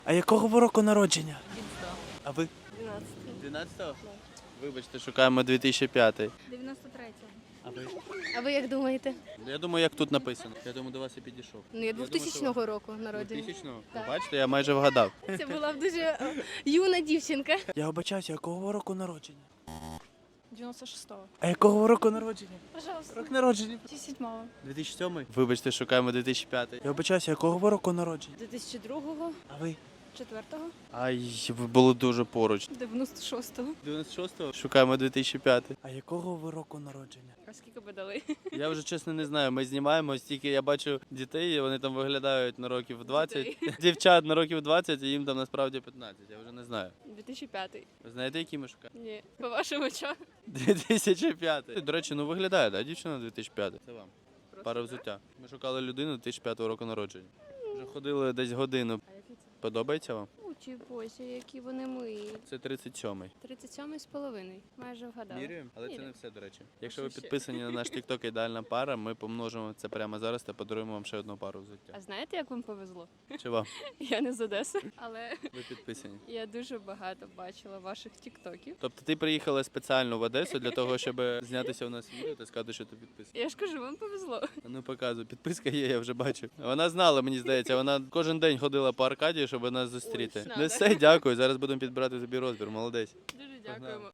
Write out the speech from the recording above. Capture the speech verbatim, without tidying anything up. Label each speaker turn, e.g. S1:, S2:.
S1: А якого ви року народження? А ви?
S2: дванадцятого.
S1: дванадцятого? Вибачте, шукаємо дві тисячі п'ятий.
S2: дев'яносто третього.
S1: А ви?
S2: А ви як думаєте?
S1: Я думаю, як тут написано. Я думаю, до вас і підійшов.
S2: Ну, я двохтисячного року народження.
S1: двохтисячного?
S2: Так.
S1: Бачите, я майже вгадав.
S2: Це була б дуже е, юна дівчинка.
S1: Я обачаюся, якого ви року народження?
S3: девяносто шестого.
S1: А якого ви року народження?
S3: Пожалуйста.
S1: Рок народження.
S3: седьмого.
S1: дві тисячі сьомий? Вибачте, шукаємо дві тисячі п'ятий. Я обачаюся, якого ви року народження?
S2: дві тисячі другого,
S1: А ви?
S2: четвертого,
S1: Ай, ви були дуже поруч.
S3: девяносто шестого.
S1: дев'яносто шостого? Шукаємо дві тисячі п'ятий. А якого ви року народження?
S3: А скільки би дали?
S1: Я вже чесно не знаю. Ми знімаємо стільки. Я бачу дітей, вони там виглядають на років двадцять. Дівчат на років двадцять, і їм там насправді п'ятнадцять. Я вже не знаю.
S3: дві тисячі п'ятий.
S1: Ви знаєте, які ми шукаємо?
S3: Ні. По вашим очам.
S1: дві тисячі п'ятий. До речі, ну виглядає, да? Дівчина дві тисячі п'ятий. Це вам.
S3: Просто
S1: Пара взуття. Ми шукали людину дві тисячі п'ятого року народження. Вже ходили десь годину.
S3: А який це?
S1: Подобається вам?
S2: Учі боже, які вони милі.
S1: Це тридцять сьомий.
S2: тридцять сьомий з половиною. Майже вгадала.
S1: Міряємо? Але це не
S2: Міряємо.
S1: все, до речі. Якщо ви
S3: що ще?
S1: підписані на наш TikTok ідеальна пара, ми помножимо це прямо зараз та подаруємо вам ще одну пару взуття.
S3: А знаєте, як вам повезло?
S1: Чи вам?
S3: Я не з Одеси, але
S1: Ви підписані?
S3: я дуже багато бачила ваших тіктоків.
S1: Тобто ти приїхала спеціально в Одесу для того, щоб знятися у нас відео та сказати, що ти підписаний?
S3: Я ж кажу, вам повезло.
S1: А ну показуй, підписка є, я вже бачу. Вона знала, мені здається, вона кожен день ходила по Аркадії, щоб нас зустріти.
S3: Ой,
S1: Ну
S3: надо.
S1: все, дякую. Зараз будемо підбирати тобі розбір. Молодець.
S3: Дуже
S1: Погнали.
S3: дякуємо.